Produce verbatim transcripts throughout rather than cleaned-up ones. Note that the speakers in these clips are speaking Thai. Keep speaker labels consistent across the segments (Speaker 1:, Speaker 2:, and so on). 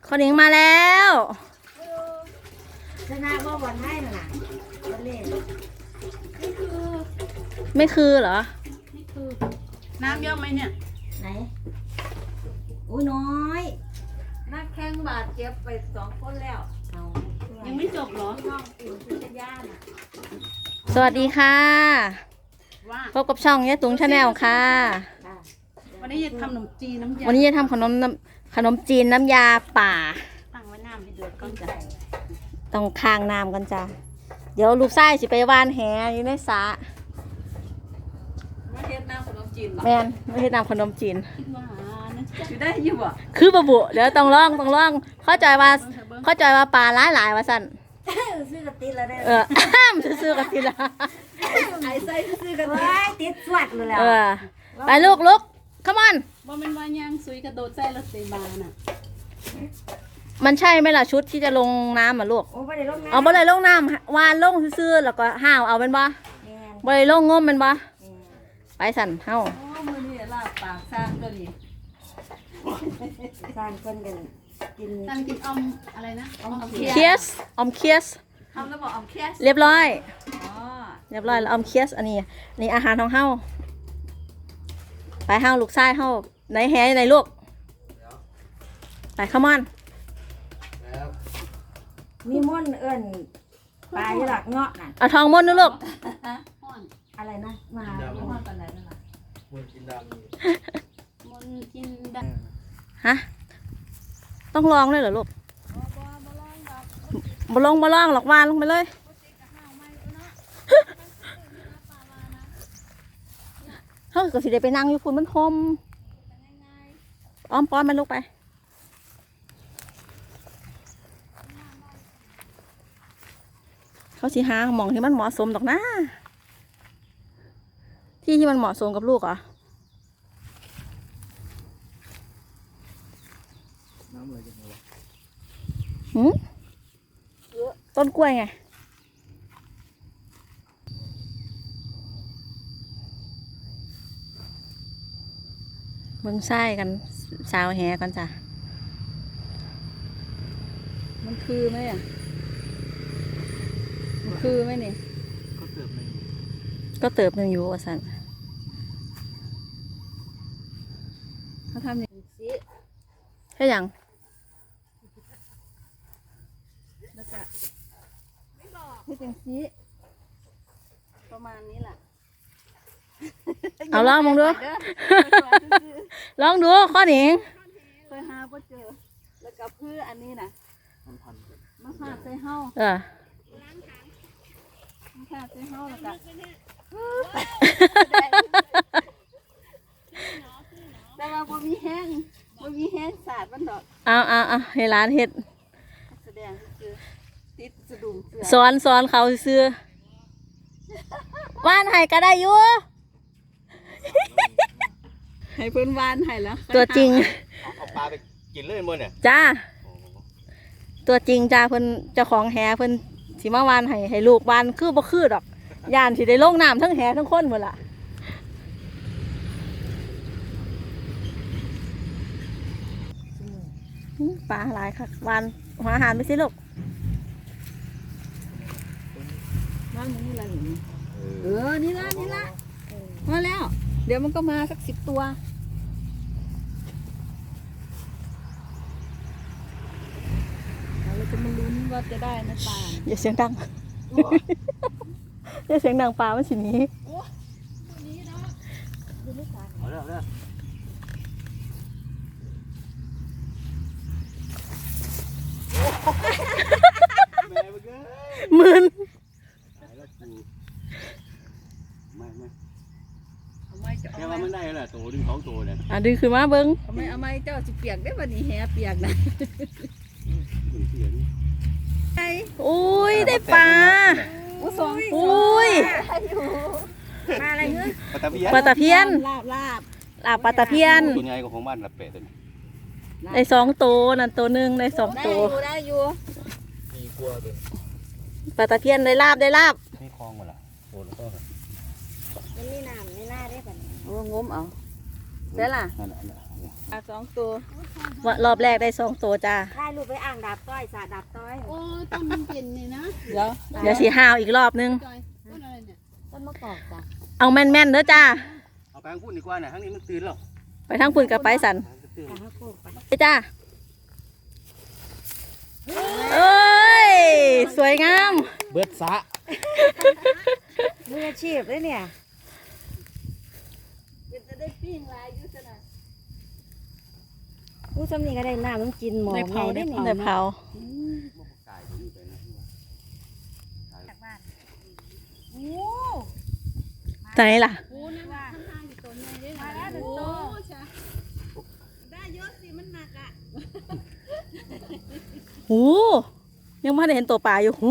Speaker 1: คนหญิงมาแล้ว
Speaker 2: ชนะว่าบอลให้น่ะนะบอลเล่น
Speaker 1: ไม่คือเหรอ
Speaker 3: ไม่คือน้ำเยอะไหมเนี่ย
Speaker 2: ไหนอุ้ยน้อย
Speaker 3: นักแข่งบาดเจ็บไปสองคนแล้ว
Speaker 2: เอา
Speaker 3: ยังไม่จบเหรอ
Speaker 2: น้องติ๋วคือจะย่าน่ะ
Speaker 1: สวัสดีค่ะพบกับช่องยะตุงชาแนลค่ะ
Speaker 3: วันนี้จะทำขนมจีนน้ำยา
Speaker 1: วันนี้จะทำขนมขนมจีนน้ำยาป่า
Speaker 3: ตั้งไว้น้ำให้เดือดก่อนจ้ะ
Speaker 1: ต้องค้างน้ำกันจ้ะเดี๋ยวลูกไส้สิไปว่านแหอยู่ในสระ
Speaker 3: ไม่เฮ็ดน้ำขนมจีนหรอ
Speaker 1: แมนไม่ใช่น้ำขนมจีน
Speaker 3: คิดว่านะจ๊ะอยู่ได้อยู่อ่ะ
Speaker 1: คือบะบุเดี๋ยวต้องลองต้องลองเข้าใจว่าเข้าใจว่าปลาหลายหลายว่าสั่น
Speaker 2: ซื้อกระติดแล้วได้
Speaker 1: เออซื้อกระติดละ
Speaker 2: ไอ้ใส่ซื้อกระติดติดสวัดเลยแล้ว
Speaker 1: เออไปลูกลูก come on
Speaker 3: บ่เป็นวายางซุยกระโดดใส่รถเซบาน่ะ
Speaker 1: มันใช่ไหมล่ะชุดที่จะลงน้ำอ่ะลูก
Speaker 2: โอ้บ่ได้ลงน้ำ
Speaker 1: เอาบ่ได้ลงน้ำวานลงซื่อๆแล้วก็ห้าวเอาเป็นบ่บ่ได้ลงงมเป็นบ่ไปสั่นเฮา
Speaker 3: โอ้มื้อนี้ลาบปากสร้างตัวนี้
Speaker 2: สร้างคนกันกิน
Speaker 3: สร้างกินอมอะไรนะอม
Speaker 1: เคียสอมเคียส
Speaker 3: ทำแล้วบอกอมเคียส
Speaker 1: เรียบร้อย
Speaker 3: อ๋อ
Speaker 1: เรียบร้อยแล้วอมเคียสอันนี้นี่อาหารของเฮาไปเฮาลูกชายเฮาไหนแหไหนลูกไปเข้ามอน
Speaker 2: มีม่อนเอิ้นปลาอยู่หลักเงาะน่ะ
Speaker 1: เอาทองม่อนนะลูก
Speaker 2: อะไรนะมาม่อนตอนไหนนั่นล่ะ
Speaker 3: ม่อนกินดำม่อนกินด
Speaker 1: ำฮะต้องลองเลยเหรอลูกบ่ลองบ่ลองหรอกวานลงไปเลยเฮ้ยก็สิได้ไปนั่งอยู่พุ่นมันหอมอ้อมป้อนมันลูกไปเขาสิหาหมองที่มันเหมาะสมดอกนะที่ที่มันเหมาะสมกับลูกเหรอน้ำอะไรกันวะหืมต้นกล้วยไงเบิ่งไส้กันสาวแหกันจ้ะมันคือไหมอ่ะคือไหมนี่ก็เติบหนึ่งก็เติบหนึ่งอยู่อ่ะสันเขาทำอย่างนี้แค่อย่างแล้วก็ให้จังซี
Speaker 3: ประมาณนี้แหละ
Speaker 1: เอาลองมองดูลองดูข้อหนิง
Speaker 3: เคยหาบ่เจอแล้วก็พืชอันนี้นะมันพันมันขาดใส่เฮา
Speaker 1: เออ
Speaker 3: ค่ะซื้อเฮาแล้วก็แต่ว่าบ่มีแห้งบ่มีแห้งสาดมันดอก
Speaker 1: เอาเอาเอาให้ร้านเฮ็ด
Speaker 3: แสดงคือติดสะดุ้งเสือ
Speaker 1: สอนสอนเขาซื้อว่านให้ก็ได้อยู่
Speaker 3: ให้เพิ่นวานให้แล้ว
Speaker 1: ตัวจริง
Speaker 4: เอาปลาไปกินเลยมื้อเนี่ย
Speaker 1: จ้าตัวจริงจ้าเพิ่นเจ้าของแหเพิ่นสิมาวานให้ให้ลูกวานคือบ่คือดอกย่านสิได้ลงน้ำทั้งแหทั้งคนหมดล่ะปลาหลายค่ะวานหัวอาหารไปสิลูก
Speaker 3: วานนี่ละนี่เออนี่ละนี่ละมาแล้วเดี๋ยวมันก็มาสักสิบตัวเราจะมาลุ้นว่าจะได้นะปลา
Speaker 1: อย่าเสียงดังอย่าเสียงดังปลามันสิหนี
Speaker 4: เอาแล้วเอา
Speaker 1: มึน
Speaker 4: ไม่ไม่แค่ว่ามันได้แล้วตัวดึงสองตัวเนี่ย
Speaker 1: อ่ะดึงขึ้นมาเบิ้ง
Speaker 3: ทำไมเอาไม้เจ้าสิเปียกได้วันนี้แหเปียกนะ
Speaker 1: อุ้ยได้ปลาอุ้ย
Speaker 2: ปลาอะไรเงี้ย
Speaker 4: ปลาตะเพียน
Speaker 1: ปลาตะเพียน
Speaker 3: ลาบลาบ
Speaker 1: ลาบปลาตะเพียน
Speaker 4: ตัวใหญ่กว่าของบ้านละเป็ดเลย
Speaker 1: ในสองตัวนั่นตัวหนึ่งในสองตัว
Speaker 3: ได้อยู่
Speaker 4: มีกลัวตัว
Speaker 1: ปลาตะเพียนได้ลาบได้ลาบ
Speaker 4: มีคลองหมดละโอ้แล้วก็
Speaker 2: มันมีน้ำในหน้าได้ป่ะ
Speaker 1: โอ้งมเอาเสร็จละ
Speaker 3: อ่ะสองตัว
Speaker 1: ว่ารอบแรกได้สองตัวจ้า
Speaker 2: ถ่ายรูปไปอ่างดับต้อยสาดับต้อย
Speaker 5: โอ้ต้นมันเปลี่ยนนี่นะ
Speaker 3: เดี๋ยว
Speaker 1: เดี๋ยวสีห้าวอีกรอบนึง
Speaker 5: จอยต้นอะไรเนี่ย
Speaker 2: ต้นมะกอกจ้ะ
Speaker 1: เอาแม่นๆเด้อจ้า
Speaker 4: เอาไปทางพูดดีกว่าเนี่ยทางนี้มันตื่นแล้ว
Speaker 1: ไปทางปุ่นกับไปสัน
Speaker 4: ตื่น
Speaker 2: แต่ถ้าโกกไป
Speaker 1: ไปจ้าเอ้ยสวยงาม
Speaker 6: เบิดสะ
Speaker 2: มืออาชีพเลยเนี่ย
Speaker 3: จะได้ปิ้งลายยุทธนา
Speaker 2: ผู้สำนีก็ได้น้ำต้องกินหมอไงได้เนี่ย
Speaker 1: เดี๋ยวเผา
Speaker 4: ตายตรงนี้ไปนะ
Speaker 2: จากบ้าน
Speaker 1: ไหนล่ะ
Speaker 5: โอ้นั่นว่าข้างๆอยู่ตัวใหญ่ด้วย
Speaker 2: มา
Speaker 5: นะ
Speaker 2: แล้วถึง
Speaker 5: โอ้
Speaker 2: โต
Speaker 5: ใช่
Speaker 3: ได้เยอะสิมันหนักอ่ะ
Speaker 1: หูยังไม่ได้เห็นตัวปลาอยู่หู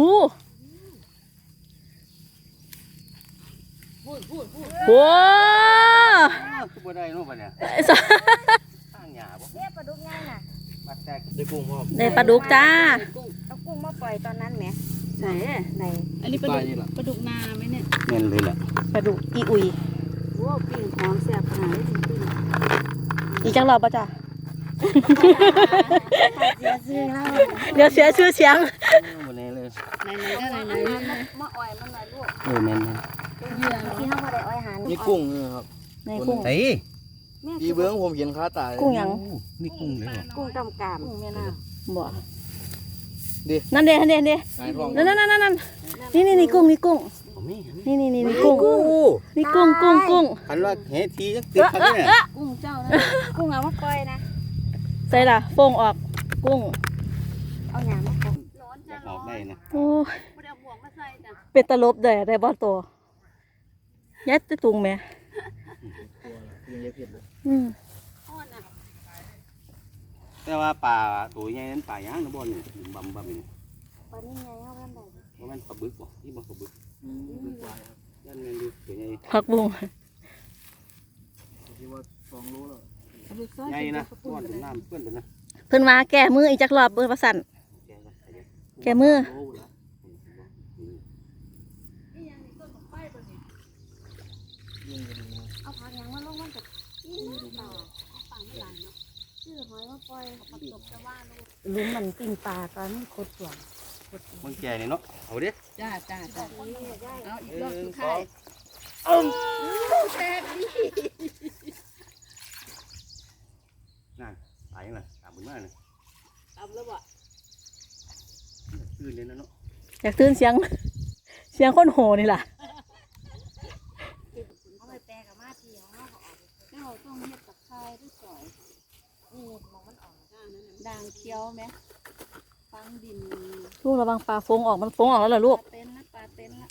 Speaker 1: โว้
Speaker 4: คือบ่ได้เนาะบัดเนี่ยข้างหญ้าบ่
Speaker 2: เนี่ยปลาดุกง่ายน่ะ
Speaker 4: บัดแตก
Speaker 6: ได้กุ้งพ่อ
Speaker 1: ได้ปลาดุกจ้า
Speaker 2: เอากุ้งมาปล่อยตอนนั้นแหม
Speaker 3: ไหน
Speaker 2: ไหน
Speaker 5: อันนี้ปลา
Speaker 6: ใต้
Speaker 5: ดุก
Speaker 6: นี่แหละ
Speaker 5: ปลาดุกนาไหมเนี่ย
Speaker 4: แม่นเลยล่ะ
Speaker 1: ปลาดุกอีอุย
Speaker 2: โว้ปิ้งหอมแซ่บขนาดนี้จริง
Speaker 1: อีกจังรอบป่ะจ้า
Speaker 2: ๆเสียซื้อแล้ว
Speaker 1: เดี๋ยวเสียชื่อเสียง
Speaker 4: บ่แน่เลย
Speaker 5: ไหนไหนก็ไหนไหน
Speaker 2: มะอ่อยมันหน่อยลูก
Speaker 4: เออแม่น
Speaker 5: เหยื่อ
Speaker 2: ที่เขาบ่ได้อ้อยหา
Speaker 6: นี่กุ้งนี่ครับ
Speaker 1: ในกุ้ง
Speaker 4: ๆเฮ้ย
Speaker 2: แม่
Speaker 6: พี่เบิ้งผมเห็นขาตาย
Speaker 1: กุ้งหยัง
Speaker 4: นี่กุ้งเลยเหรอ
Speaker 2: กุ้งกำกาม
Speaker 3: กุ้งแม่น้
Speaker 1: บ่นั่นเด้นั่นเด้นั่นเด้
Speaker 6: หายท้อง
Speaker 1: นั่นนั่นนั่นนั่นนี่นี่นี่กุ้งนี่กุ้ง
Speaker 4: บ่มี
Speaker 1: นี่นี่นี่นี่กุ้ง
Speaker 4: กุ้ง
Speaker 1: นี่กุ้งกุ้งกุ้ง
Speaker 4: คันว่าเฮทีจักติดคันเนี่ย
Speaker 5: กุ้งเจ้านะ
Speaker 2: กุ้งเอามาปล่อยนะ
Speaker 1: ใส่ล่ะโฟงออกกุ้ง
Speaker 2: เอาหยางมาปล่อย
Speaker 5: ร้อน
Speaker 4: อยา
Speaker 5: จ้าก
Speaker 4: ออกได้นะ
Speaker 1: โอ้ย
Speaker 5: ไม่ได้เอาบ่วงมาใส่จ้ะ
Speaker 1: เป็นตลบเลยได้บ่ตัวยัดตะตุงแม่
Speaker 6: ยังเยอะเพียบเลย
Speaker 1: อืม
Speaker 5: อ่อนอ่ะ
Speaker 4: แต่ว่าปลาตัวใหญ่นั้นปลาย่างนะบ่นี่บำบำนี่
Speaker 2: ปลานี่ไงเอาแว่นใด
Speaker 4: บ่แม่นปลาบึกบ่ที่บ่ปลาบึก
Speaker 6: อืมดีกว่าครับ
Speaker 4: ยันแม่นดูตัวใหญ่
Speaker 1: ผักบุ้ง
Speaker 6: คิดว่าสองโลแล้ว
Speaker 5: ปลาดุกซอย
Speaker 4: ใหญ่นะ
Speaker 5: ปลา
Speaker 4: ก้อนเป็นน้ำเพื่อนเป็นนะ
Speaker 1: เพิ่นมาแก้มืออีกจักรอบเบิ่งว่าสั่น
Speaker 4: แกก็ใส่เยอะ
Speaker 1: แก้มือ
Speaker 4: โลละ
Speaker 2: เอาผักหยางมาลงมันจะกินปลาปลาไม่หลายเนาะชื่อหอยมาปล่อยผักตบจะว่าลูกลุงมันปิ้งปลาตอนนี้โคตรสวย
Speaker 4: มันแก่นี่เนาะเอาดิ
Speaker 5: จ้าจ้าจ้า
Speaker 2: นี่ได้
Speaker 5: เอาอีก
Speaker 4: ห
Speaker 5: รอบ
Speaker 4: นึ่
Speaker 5: สุ
Speaker 4: ง
Speaker 5: ด
Speaker 4: ส
Speaker 5: ท้า
Speaker 4: อย งนั่นตายยังไงตามบุญมากเลย
Speaker 5: ตำแล้วบ่
Speaker 4: ตื่นเลยนะเนาะ
Speaker 1: อยากตื่นเสียง เสียงคนโหนี่ล่ะ
Speaker 2: เอาไปแปลกับมาทีของเขาก็ออก
Speaker 5: เจ้าต้องเฮ็ดตะไคร้ด้วยสอย
Speaker 2: นี่มองมันออก
Speaker 5: ด่างนั่นน่ะด่างเคี้ยวไหมฟังดิน
Speaker 1: ลูกระวังปลาฟงออกมันฟงออกแล้วเหรอ
Speaker 5: ป
Speaker 1: ลู
Speaker 5: ลาก เป็นนะปลาเป็นละ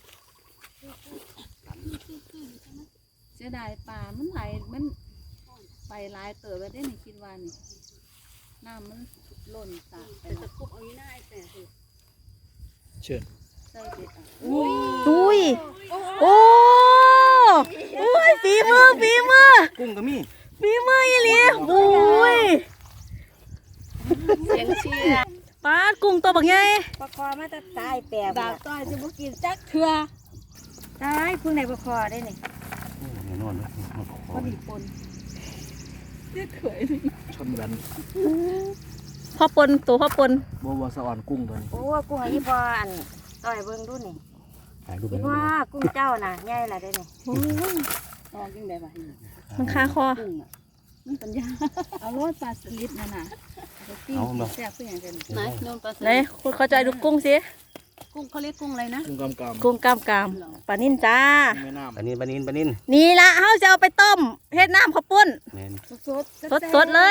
Speaker 5: เสียดายปลามันไหลมันไปหลายเติบแล้วได้ในคิดว่านี่น้ำมันหล่นตากไปตะคุบเอาอยู่หน้าไอ้แต่คือ
Speaker 6: เชิญ
Speaker 5: ใส่เด็ดอ่ะ
Speaker 1: อุ้ยโอ้โอ้ยฝีมือฝีมือ
Speaker 4: กุ้งก็มี
Speaker 1: ฝีมืออีหลีโอ้ย
Speaker 5: เสียงเชียร์
Speaker 1: ปลากุ้งตัวบักใหญ่
Speaker 2: ปลาคอมาจะตายแปลก
Speaker 5: ดาบต้อยจะบุกินจักเถื่อ
Speaker 2: ตายพึ่งในปลาคอได้นี่
Speaker 4: แน่นอนเลย
Speaker 5: พอดีปนเรียกเขย
Speaker 6: ชนกัน
Speaker 1: พ่อปนตัวพ่อปน
Speaker 6: บัวบัวสะอ่อนกุ้งตัวนี้
Speaker 2: โอ้กุ้งอันนี้พออันต่อยเบิ้งดูนี่
Speaker 4: ถ่ายรูปไป
Speaker 2: ว่ากุ้งเจ้าน่ะใหญ่ละได้นี่
Speaker 5: ออกยังไงบ้าง
Speaker 1: มันคาคอ
Speaker 5: กุ้งอ่ะมันปัญญาเอาโรดปลาสลิดนั่นน่ะเอาปิ้งแซ่บเพื่ออย่างกันไหนโดนปลาส
Speaker 1: ไหน
Speaker 5: ลิด
Speaker 1: คุณเข้าใจดูกุ้งสิ
Speaker 5: กุ้งเขาเรียกกุ้งอะไรนะ
Speaker 6: กุ้งกำกำ
Speaker 1: กุ้งกล้ามกรามปลานิ่นจ้า
Speaker 6: กุ้งแม่น้ำ
Speaker 4: ปลานินปลานินปลานิน
Speaker 1: นี่ละเฮาจะเอาไปต้มเฮ็ดน้ำข้าวปุ้น
Speaker 4: แม่น
Speaker 5: สดสด
Speaker 1: สดสดๆเลย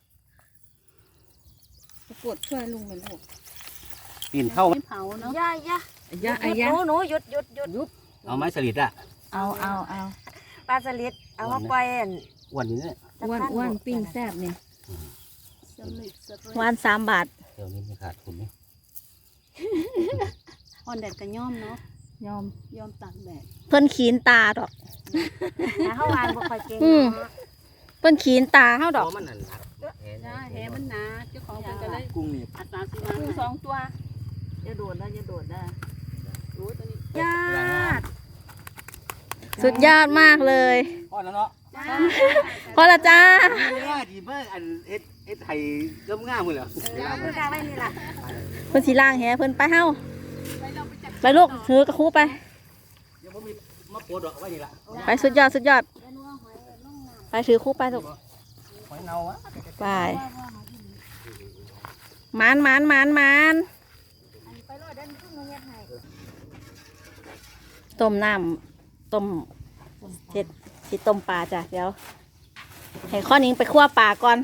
Speaker 5: ปวดช่วยลุงเป็นลูก
Speaker 4: ปีนเข้า
Speaker 5: ไม่เผาเนาะ
Speaker 2: ย่าย่า
Speaker 5: ย่า
Speaker 2: ห
Speaker 5: อายะ
Speaker 2: นูหนูหยุดหยุดหยุดหยุด
Speaker 4: เอาไม้สลิดอ่ะ
Speaker 5: เอาเอาเอา
Speaker 2: ปลาสลิดเอามาปล่อยอัน
Speaker 4: อ้วนนี่เนี่ย
Speaker 5: อ้วนอ้วนปิ้งแซ่บเนี่ยสลิดสลิด
Speaker 1: วานสามบาท
Speaker 4: เดี๋ยวนี้ไม่ขาดทุนนี่
Speaker 5: อ่อนแดดก็ย่อมเนาะยอมยอมตากแดด
Speaker 1: เพิ่นขีนตาดอก
Speaker 2: แต่เขาวานบ่ค่อยเก่ง
Speaker 1: อืม
Speaker 2: เนาะ
Speaker 1: เพิ่นขีนตาเฮาดอก
Speaker 4: มันนั่นนะ
Speaker 5: จ้าแหมันหนาเจ้าของเป็นก็เลย
Speaker 6: กุ้งนี่
Speaker 5: อัตราสิมากุ้งสองตัวอย่าโดดนะอย่าโดดนะรู้ตัวนี้
Speaker 2: ญาติ
Speaker 1: สุดยอดมากเลย
Speaker 4: พ่อแล้วเนาะ
Speaker 5: จ
Speaker 1: พอละจ้า
Speaker 4: เวลาที่มาอันเอ็ดเอ็ดไห้งามๆมื้อแล้ว
Speaker 2: คือกลางไว้นี่ล่ะ
Speaker 1: เพิ่นสิล่างแหเพิ่นไปเฮาไปลูกถือกระคูไป
Speaker 4: เดี๋ยวผมมีมาโปรดดอกไว้นี่ล่ะ
Speaker 1: ไปสุดยอดสุดยอด ไปถือคู่ไปลูก
Speaker 4: หอยเนาวะ
Speaker 1: ไปหมานหมานหมานหมานต้มน้ำต้มเจ็ดสิต้มปลาจ้ะเดี๋ยวให้ข้อนิ้งไปคั่วปลาก่อน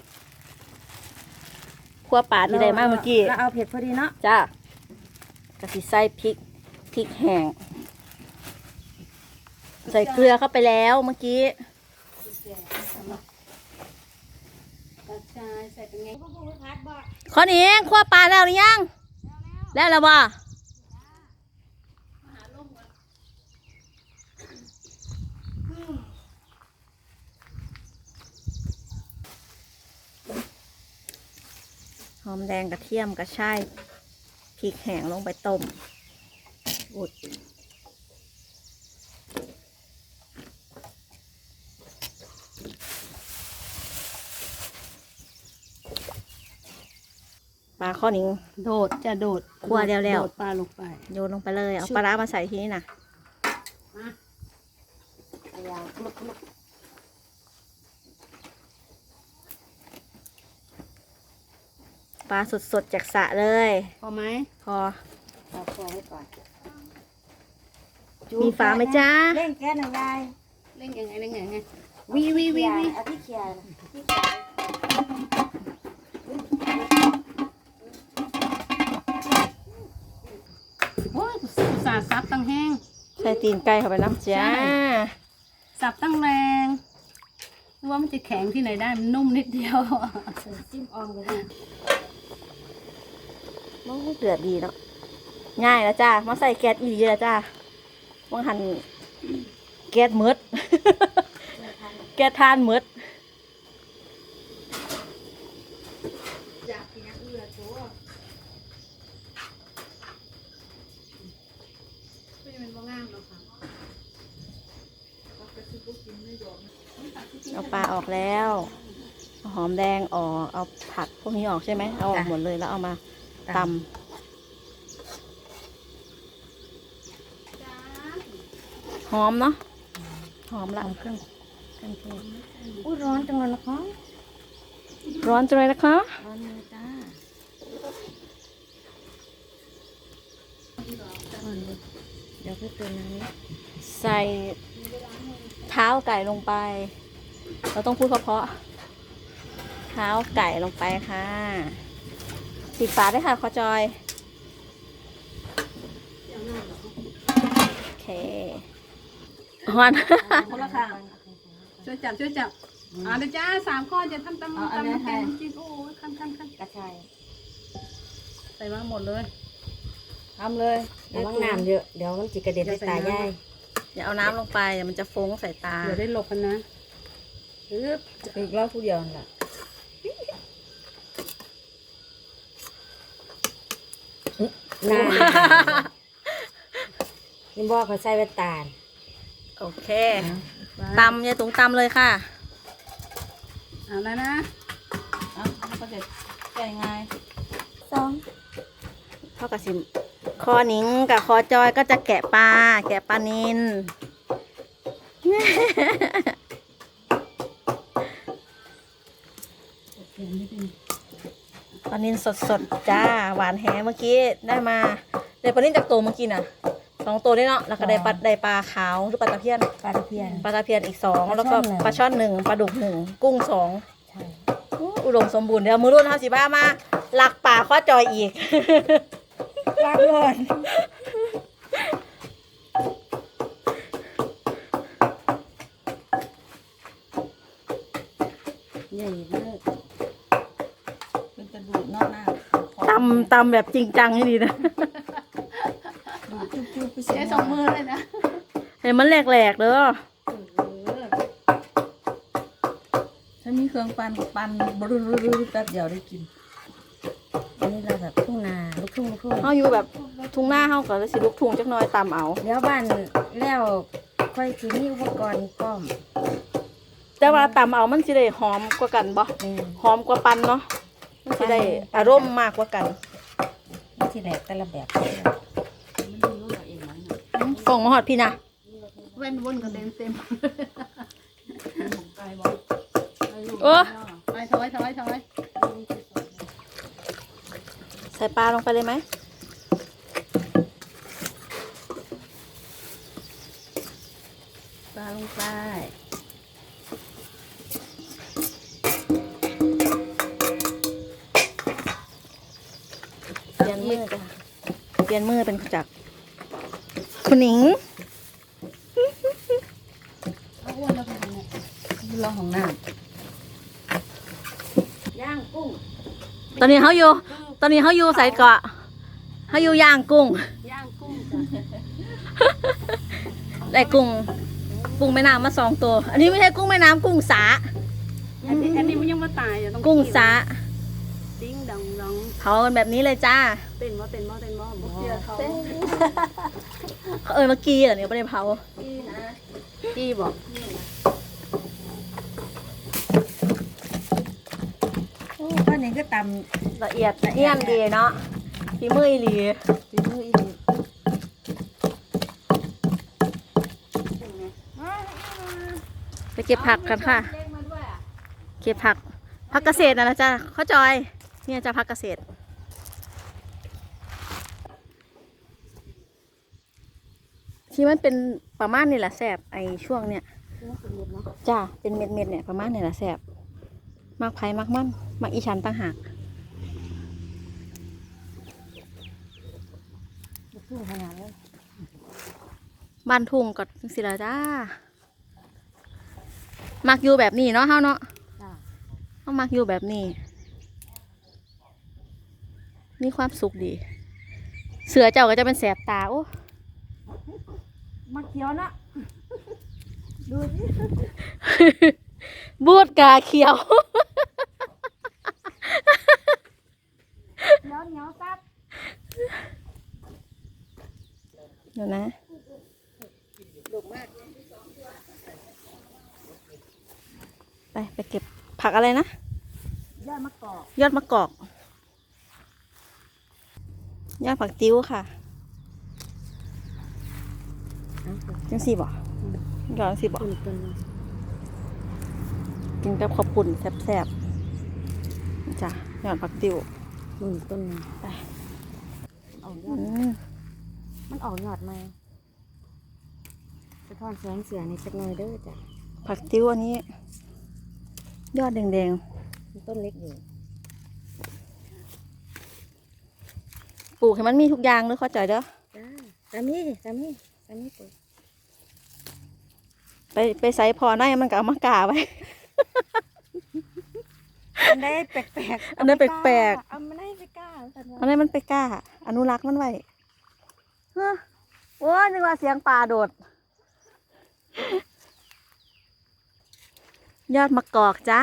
Speaker 1: คั่วปลาที่ใดมากเมื่อกี้
Speaker 2: แล้วเอาเผ็ดพอดีเนาะ
Speaker 1: จ้ากะทิใส่พริกพริกแห้งใส่เกลือเข้าไปแล้วเมื่อกี้
Speaker 5: กระชายใส่เป็นไง
Speaker 1: ข้อนิ้งคั่วปลาแล้วหรือยังแล้วแล้วบ่หอมแดงกระเทียมกระชายพริกแห้งลงไปต้มอุดปลาข้อนิ้ง
Speaker 5: โดดจะโดด
Speaker 1: คั่วแล้วแล้ว
Speaker 5: โดดปลาลงไป
Speaker 1: โยนลงไปเลยเอาปลาร้ามาใส่ทีนี้นะปลาสดๆจากสระเลย
Speaker 5: พอไหม
Speaker 1: พอ
Speaker 2: เอาพอไว้ก่อน
Speaker 1: มีฝาไหมจ้า
Speaker 2: เร่งแก๊สหน่อยยาย
Speaker 5: เล่นยังไงเล่นยังไงวีวีวีวี
Speaker 2: เอาที่เคียร์ที่
Speaker 5: โอ้ยอุตส่าห์ซับตั้งแห้ง
Speaker 1: ใส่ตีนไก่เข้าไปน้ำจ้า
Speaker 5: สับตั้งแรงรู้ว่ามันจะแข็งที่ไหนได้มันนุ่มนิดเดียว
Speaker 2: จิ้มออมเลย
Speaker 1: มันเดือดดีเนาะง่ายแล้วจ้ามาใส่แก๊สอีกเยอะจ้าว่างหันแก๊สมืด แก๊สทานมืด เอาปลาออกแล้วเอาหอมแดงออกเอาผักพวกนี้ออกใช่ไหมเอาออกหมดเลยแล้วเอามาตำหอมเนาะหอมละ
Speaker 2: เครื่องเครื่องเทศอุ้ยร้อนจังเลยนะคะ
Speaker 1: ร้อนจังเลยนะคะ
Speaker 2: ร้อนเลยจ้าเดี๋ยวพี่เติมน้ำ
Speaker 1: ใส่เท้าไก่ลงไป เราต้องพูดเพราะๆเท้าไก่ลงไปค่ะปิดฝาด้วยค่ะขอจอยโอเคฮอน
Speaker 5: คนละค่ะช่วยจับช่วยจับอ่าเดี๋ยวจ้าสามข้อจะทำตำตำน้ำแกงจิ้นโอ้ยขั้นขั้นขั้น
Speaker 2: กระชาย
Speaker 5: ใส่มาหมดเลย
Speaker 1: ทำเลย
Speaker 2: ระวังน้ำเยอะเดี๋ยวมันจิกระเด็นใส่ตายาย
Speaker 1: อย่าเอาน้ำลงไปเดี๋ยวมันจะฟงใส่ตา
Speaker 5: เดี๋ยวได้หลบกันนะ
Speaker 2: ปึ๊บอีกรอบผู้เดียวนั่นแหละน้ำนี่บอกเขาใส่แว่นตา
Speaker 1: โอเคตำอย่าตุงตำเลยค่ะ
Speaker 5: เอาแล้วนะ
Speaker 1: อ่ะก็จะแก่ง่าย
Speaker 2: สอง
Speaker 1: เท่ากับสิคอนิ้งกับคอจอยก็จะแกะปลาแกะปลานิน ปลานินสดๆจ้าหวานแหเมื่อกี้ได้มาได้ปลานินจากตัวเมื่อกี้น่ะสองตัวได้เนาะแล้วก็ได้ปลาได้ปลาขาวหรือปลาตะเพียน
Speaker 2: ปลาตะเพียน
Speaker 1: ปลาตะเพียนอีกสอง
Speaker 2: ปลา
Speaker 1: แล้วก็
Speaker 2: ช่อนหนึ่ง
Speaker 1: ปลาช่อนหนึ่งปลาดุกหนึ่งกุ้งสอง
Speaker 2: ใช่
Speaker 1: อู้อุดมสมบูรณ์เดี๋ยวมือรุ่นห้าสิบห้ามาหลักป่าข้อจอยอีก
Speaker 2: ลาบก่อน
Speaker 5: ใหญ่เลิก
Speaker 3: เป็นกระดูกนอกหน้า
Speaker 1: ตำตำแบบจริงจังให้ดีนะ
Speaker 5: ใช้สองมือเลยนะ
Speaker 1: เห็นมันแหลกๆเด้อ
Speaker 3: ถ้ามีเครื่องปั่นก็ปั่นบรุรุแป๊บเดียวได้กิน
Speaker 2: อันนี้เราแบบทุ่งนาลูกทุ่งลูกทุ่ง
Speaker 1: เฮาอยู่แบบทุ่งหน้าเฮาก็เลยสิลูกทุ่งจักหน่อยตำเอา
Speaker 2: เดี๋ยวบ้านแล้วค่อยสิมีอุปกรณ์พร้อม
Speaker 1: แต่ว่าตำเอามันสิได้หอมกว่ากันบ่
Speaker 2: แม่น
Speaker 1: หอมกว่าปั่นเนาะมันสิได้อารมณ์มากกว่ากัน
Speaker 2: มันสิแหลกแต่ละแบบ
Speaker 1: กล่องมาฮอดพี่นะ
Speaker 5: เว้นวนกันเต็มเต็ม
Speaker 1: โอ้
Speaker 5: ไปถอยถอยถอย
Speaker 1: ใส่ปลาลงไปเลยไหมปลาลงไปเปลี่ยนมือจ้ะเปลี่ยนมือเป็นจากคุณหนิง
Speaker 3: รอของน้
Speaker 5: ย่างกุ้ง
Speaker 1: ตอนนี้เขาอยู่ ตอนนี้เขาอยู่ใส่เกาะเขาอยู่ย่างกุ้ง
Speaker 5: ย่างกุ้งจ้ะ
Speaker 1: ได้กุ้ง กุ้งแม่น้ำมาสองตัว อันนี้ไม่ใช่กุ้งแม่น้ำกุ้งสา
Speaker 5: อันนี้อันนี้มันยังไม่ตายอ่ะต้อง
Speaker 1: กุ้งสา
Speaker 5: ดิ้งดองดอง
Speaker 1: เผากันแบบนี้เลยจ้า
Speaker 5: เต้นบ่เต้นบ่เต้นบ่บ่เชื่อเขา
Speaker 1: เขาเออเมื่อกี้เหรอเนี่ยไม่ได้เผา
Speaker 5: จี้บอก
Speaker 2: โอ้ป้านี่ก็ต
Speaker 1: ละเอียดเยี่ยมดีเนาะฝีมืออีหลี
Speaker 2: ำฝีมืออีหลี
Speaker 1: ไปเก็บผักกันค่ะ เก็บผัก ผักเกษตรนะนะจ้าข้าวจอย เนี่ยจ้าผักเกษตร ที่มันเป็นประมาณนี่แหละแสบไอช่วงเนี้ยจ้าเป็นเม็ดเม็ดๆเนี่ยประมาณนี่แหละแสบมากไผ่มากมันมากอีชันต่างหาก
Speaker 2: ขึ้นขนาดเลย
Speaker 1: บ้านทุ่งก็สิละจ้ามักอยู่แบบนี้เนาะเฮาเนาะ
Speaker 2: จ้า
Speaker 1: เฮามักอยู่แบบนี้ มีความสุขดี เสือเจ้าก็จะเป็นแสบตาโอ้
Speaker 2: มาเขียวนะดูสิ
Speaker 1: บูดกาเขียว
Speaker 2: เหนียวเหนียวซับ
Speaker 1: เดี๋ยวนะ ไปไปเก็บผักอะไรนะ
Speaker 2: ยอดมะกอก
Speaker 1: ยอดมะกอก ยอดผักติ้วค่ะจังสี่บ่ยอดจังสี่บ่
Speaker 2: ตุ่นตุ่น
Speaker 1: กินกับข้าวปุ่นแซ่บๆจ้ะยอดผักติ้ว
Speaker 2: ตุ่นตุ่น
Speaker 1: ไป
Speaker 2: ออกย
Speaker 1: อื
Speaker 2: อด
Speaker 1: ม
Speaker 2: มันออกยอดมาสะท้อนแสงเสือในจักหน่อยเด้อจ้ะ
Speaker 1: ผักติ้วอันนี้ ยอดแดง
Speaker 2: มันต้นเล็กอยู่
Speaker 1: ๆปลูกให้มันมีทุกอย่างเลยเข้าใจเด้อ
Speaker 2: จ้าสามีสามีสามีปุ๋ย
Speaker 1: ไปไปใส่พอหน้ามันก็เอามากาไว้
Speaker 2: อันได้แปลกๆ
Speaker 1: อันนั้นแปลกๆ
Speaker 2: เอาไม่ได้ไปกล้าสัน
Speaker 1: อันนี้มันไปกล้า อนุรักษ์มันไว้เฮ้อโอ้ยนึกว่าเสียงปลาโดด ยอดมะกอกจ้า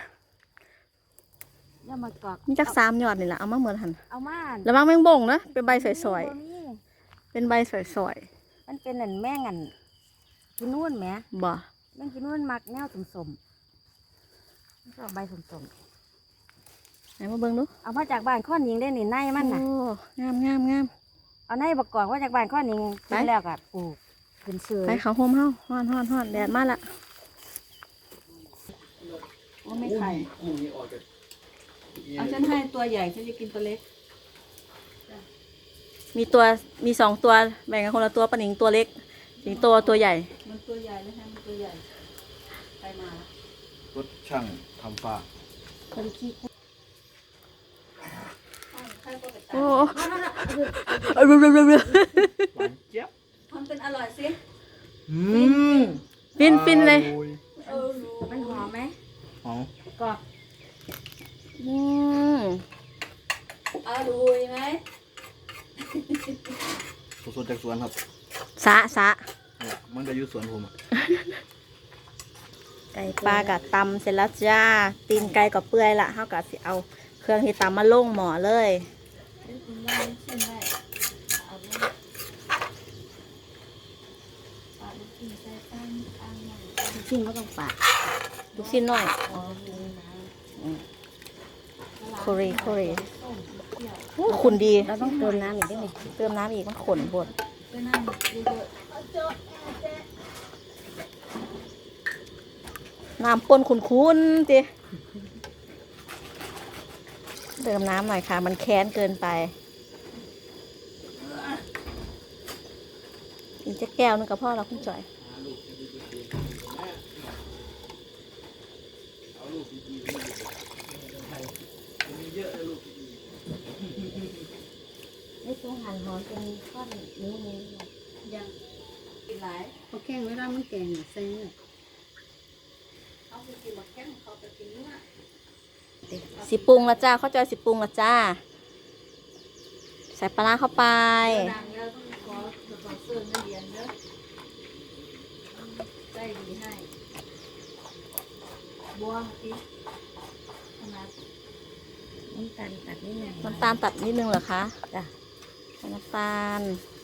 Speaker 2: ยอดมะกอก
Speaker 1: มีจักสามยอดนี่แหละเอามาเหมือนหัน
Speaker 2: เอามา
Speaker 1: แล้วมังแมงบ่งนะเป็นใบสวย
Speaker 2: บ่มี
Speaker 1: ๆเป็นใบสวย
Speaker 2: มันเป็นอันแม่งอันกินนู่นแหม
Speaker 1: ๆบ่
Speaker 2: แม่งกินนู่นมักแนวสมสมๆชอบใบสมสม
Speaker 1: ไหนมาเบิ่งดู
Speaker 2: ๆเอามาจากบ้านข้อนยิงได้นี่ในมันน่ะ
Speaker 1: โอ้งามงามงาม
Speaker 2: เอาในบกกอกว่าจากบ้านข้อนยิง
Speaker 1: ไป
Speaker 2: กินแล้วก็ปลูกขึ้นเสือ
Speaker 1: ไปเขาโฮมเฮาฮ้อนฮ้อนฮ้อนแดดมาละ
Speaker 5: ว่าไม่ไข่
Speaker 6: กุ้งนี่ออกจาก
Speaker 5: เอาฉันให้ตัวใหญ่ฉันจะกินตัวเล็ก
Speaker 1: มีตัวมีสองตัวแบ่งกันคนละตัวปะหนิงตัวเล็กสิงโตตัวใหญ่
Speaker 5: มันตัวใหญ่นะฮะมันตัวใหญ่ไปมา
Speaker 6: รถช่างทำฟ้า
Speaker 2: คนขี้
Speaker 1: โอ้เอาเร็วเร็วเร็วเร็ว
Speaker 6: หวานเจี๊ยบ
Speaker 5: ทำเป็นอร่อยสิ
Speaker 6: อืม
Speaker 1: ฟินฟินเลย
Speaker 6: อร่อ
Speaker 5: เออรู้
Speaker 2: มันหอมไหม
Speaker 6: หอม
Speaker 2: กรอบ
Speaker 1: อืม
Speaker 5: อร่อยไหม
Speaker 6: สดๆจากสวนครับ
Speaker 1: สะสะ
Speaker 6: เนี่ยมันจะอยู่สวนผมอะ
Speaker 1: ไก่ปลากับตำเสร็จแล้วจ้า ตีนไก่กับเปื่อยละเท่ากับสิเอาเครื่องที่ตำมาลงหม้อเลย
Speaker 5: คุณย่าชิมได้เอาเลยปลาลูกชิ้นใส่ตั้งตั้งหน่อย
Speaker 2: ชิ้นก็ต้องปาด
Speaker 1: ลูกชิ้นหน่อยโคเรโคเรโอ้ขุนดี
Speaker 2: เราต้องเติมน้ำอีกได้ไหม
Speaker 1: เติมน้ำอีกมันขนบด
Speaker 5: ไปนั่งเยอะ
Speaker 1: น้ำป้นคุ้นๆจิเติมน้ำหน่อยค่ะ มันแค้นเกินไป อีกจะแก้วนึงกับพ่อเราคุณจ่อย
Speaker 2: นี่ตัวหั่นหอมเป็นก้อนนิ้วนิ้ว
Speaker 5: ๆยังกินหลาย
Speaker 2: เขาแกงเวลามันแกงใส่เนื้อ
Speaker 5: เขาไปกินหมดแก้มเขาไปกินเนื้อ
Speaker 1: สิปรุงละจ้าเข้าใจสิปรุงละจ้า ใส่ปลาร้าเข้าไป
Speaker 5: ดังแล้วต้องขอสปอนเซอร์นักเรียนเด้อใจดีให้บัวพี่ขนาด
Speaker 2: น้ำตาลตัดนิดหน่อย
Speaker 1: น้ำตาลตัดนิดนึงเหรอคะ
Speaker 2: จ้ะ
Speaker 1: ใส่น้ำตาล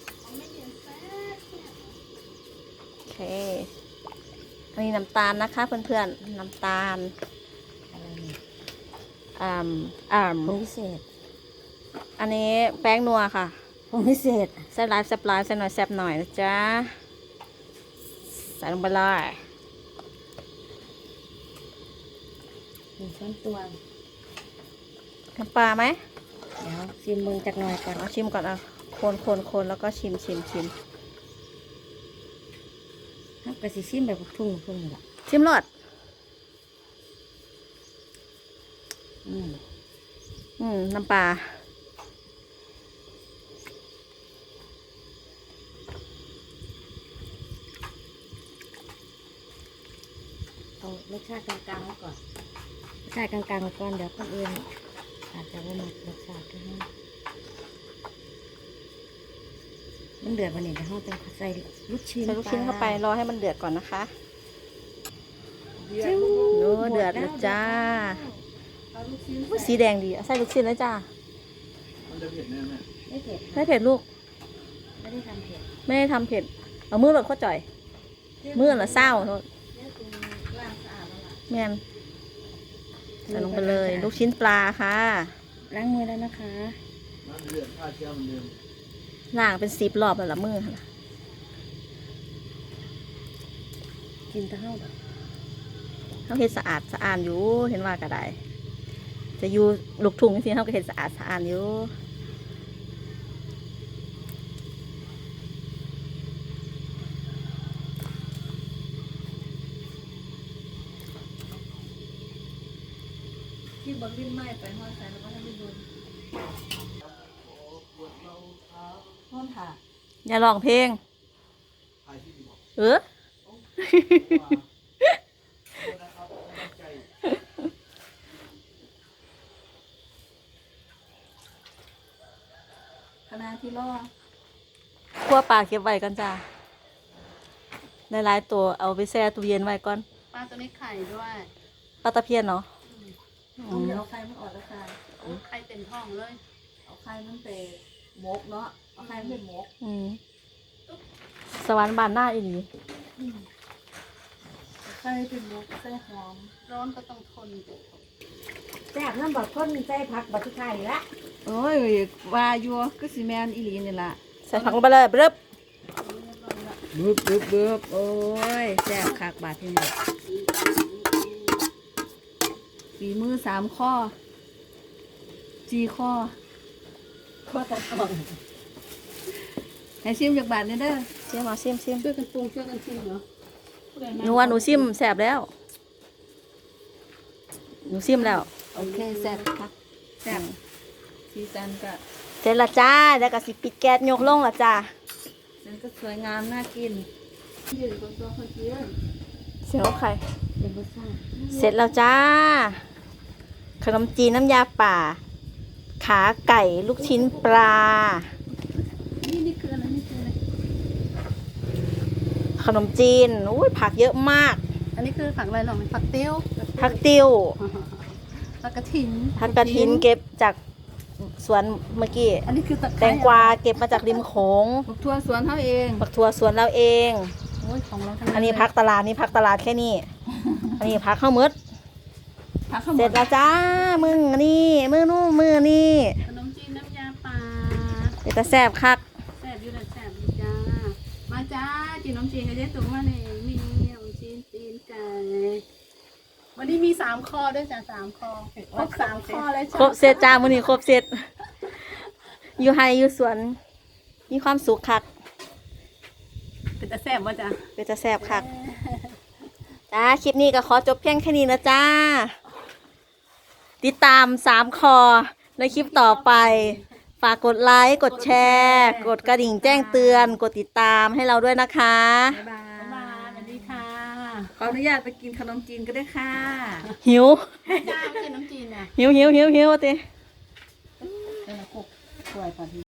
Speaker 1: โอเค อันนี้น้ำตาลนะคะเพื่อนๆ น้ำตาล
Speaker 2: อะไรเนี่ย
Speaker 1: อ่าอ่า
Speaker 2: ผงพิเศษ
Speaker 1: อันนี้แป้งนัวค่ะ
Speaker 2: ผงพิเศษ
Speaker 1: ใส่ไลฟ์แซบไลฟ์ใส่หน่อยแซบหน่อยนะจ๊ะ ใส่ลงไปเลย
Speaker 2: หนึ่งช้อนตวง
Speaker 1: น้ำปลาไหม
Speaker 2: เดี๋ยวชิมมือจากหน่อยก่อน
Speaker 1: เอาชิมก่อนอ่ะคนคนคนแล้วก็ชิมชิมชิม
Speaker 2: ถ้ากระสีชิมแบบทุ่งทุ่งนี่แหละ
Speaker 1: ชิมรส
Speaker 2: อืม
Speaker 1: อืม น้ำปลา
Speaker 2: เอารสชาติกลางๆไว้ก่อนรสชาติกลางๆไว้ก่อนเดี๋ยวคนอื่นอาจจะว่าหมดรสชาติก็ได้มันเดือดวันนี้เดี๋ยวเราจะใส่ลูกชิ้น
Speaker 1: ใส่ลูกชิ้นเข้าไป รอให้มันเดือดก่อนนะคะ
Speaker 2: จิ้ว
Speaker 1: โน้เดือดแล้วจ้า
Speaker 5: เอาลูกชิ้น
Speaker 1: อุ๊ยสีแดงดีเอาใส่ลูกชิ้นเลยจ้า
Speaker 6: มันจะเผ็ดแน่ไหม
Speaker 2: ไม่เผ็ด
Speaker 1: ไม่เผ็ดลูก
Speaker 2: ไม่ได้ทำเผ็ด
Speaker 1: ไม่ได้ทำเผ็ด เอามือแบบข้าวจ่อย มือละเศร้าโทษ
Speaker 5: เนี่ยตรงล่างสะอาดแล้วล่ะ
Speaker 1: แม่นใส่ลงไปเลย ลูกชิ้นปลาค่ะ
Speaker 2: ล้างมือแล้วนะคะ
Speaker 6: น้ำเดือดฆ่าเชื้อเหมือนเดิม
Speaker 1: ล้างเป็นสิบรอบแล้วละมือค่ะ
Speaker 2: กินเต้า
Speaker 1: เขาเห็นสะอาดสะอาดอยู่ เห็นว่าก็ได้ จะอยู่ลูกทุ่งจริงๆเขาก็เห็นสะอาดสะอาดอยู่
Speaker 5: ที่บนลิ้นไหม้ไปห้อยใส่แล้วก็ทำให้โดนห้อนถ่า
Speaker 1: อย่าร้องเพลง
Speaker 6: ใครที่ดีบอก
Speaker 1: เออ
Speaker 5: คณะที่ล่อ
Speaker 1: คั่วปลาเก็บไว้กันจ้าในหลายๆตัวเอาไปแช่ตู้เย็นไว้ก่อน
Speaker 5: ปลาตัวนี้ไข่ด้วย
Speaker 1: ปลาตะเพียนเนาะ
Speaker 5: ต้องเอาไข่มันออกแล้วค่ะเอาไข่เต็มท้องเลย เอาไข่มันไปหมกเนาะ เอาไข่มันไปหมก
Speaker 1: อืมสวรรค์บานหน้าอีนี
Speaker 5: เอาไข่เป็นหมกใส่หอม ร้อนก็ต้องทน
Speaker 2: แซ่บน้ำบักข้นใส่ผักบักทุกไข่ละ
Speaker 3: โอ้ยว่าอยู่ก็สิแมนอีหลีนี่ล่ะ
Speaker 1: ใส่ผักลงไปเลยเริ่ม
Speaker 3: บึบบึบบึบโอ้ยแซ่บคักบาดที่นี่ฝีมือสามข้อจีข้อ
Speaker 2: ข้าวตะกอน
Speaker 3: ให้ชิมจากบาทนี่เด้อ
Speaker 1: เสียมาซิมซิม
Speaker 5: ช่วยกันปรุงช่วยกันชิมเหรอ
Speaker 1: หนูว่าหนูซิมแสบแล้ว หนูซิมแล้ว
Speaker 3: โอเคแซ่บคักแซ่บสีสันก็
Speaker 1: เสร็จละจ้าแล้วก็สิปิดแก๊สยกลงละจ้า
Speaker 3: มันก็สวยงามน่ากิน
Speaker 5: ยืนบนตัวคนเดียว
Speaker 1: เสียวไข่
Speaker 2: เป็นรสชาติ
Speaker 1: เสร็จแล้วจ้า ขนมจีนน้ำยาป่า ขาไก่ลูกชิ้นปลา
Speaker 5: นี่นี่คืออะไรนี่คืออะไร
Speaker 1: ขนมจีนอุ้ยผักเยอะมาก
Speaker 5: อันนี้คือผักอะไรหรอผักติ้ว
Speaker 1: ผักติ้ว
Speaker 5: ผักกระถิน
Speaker 1: ผักกระถินเก็บจากสวนเมื่อกี้
Speaker 5: อันนี้คือตะไค
Speaker 1: แต
Speaker 5: ร้
Speaker 1: งกวาเก็บมาจากริมโขง
Speaker 3: บักทั่วสวนเฮาเอง
Speaker 1: ผักถั่วสวนเราเอง ง
Speaker 5: อ้ยของเราทั้ง
Speaker 1: อันนี้พักตลาดนี่พักตลาดแค่นี้ อันนี้พักข้าวมืด
Speaker 5: พักข้าวห
Speaker 1: เส
Speaker 5: ม
Speaker 1: ร็
Speaker 5: ด
Speaker 1: จแล้วจ้า มึงอันนี่มือนู่นมือนี่
Speaker 5: ขนมจีนน้ำยาป่า
Speaker 1: เดี๋ยวจะแซ่บคัก
Speaker 5: แซ่บอยู่แล้วแซ่บอยู่จ้ามาจ้าจีนน้ำจีนก็ได้ตุ๋นมาเลยมีขนมจีนตีนไก่วันนี้มีสามคอด้วยจ้ะสามคอครบสามคอเลยจ้ะ
Speaker 1: ครบเสร็จจ้ามื้อนี้ครบเสร็จ อยู่ไฮอยู่สวน มีความสุขคัก
Speaker 5: เป็นตาแซ่บว่าจ้ะ
Speaker 1: เดี๋ยวจะแซ่บคัก จ้า คลิปนี้ก็ขอจบเพียงแค่นี้นะจ้า ติดตามสามคอในคลิปต่อไป ฝากกดไลค์ กดแชร์ กดกระดิ่งแจ้งเตือน กดติดตามให้เราด้วยนะคะ
Speaker 3: บ๊ายบา
Speaker 5: บ๊ายบาย
Speaker 3: ย
Speaker 5: สวัสดีค่ะ
Speaker 3: ขออนุญาตไปกินขนมจีนก็ได้ค่ะ
Speaker 1: หิว
Speaker 5: จ้าไม่ใช่น้ำจีนนะ
Speaker 1: หิวหิวหิวหิวติ
Speaker 5: เป็นละกกสวยป่ะ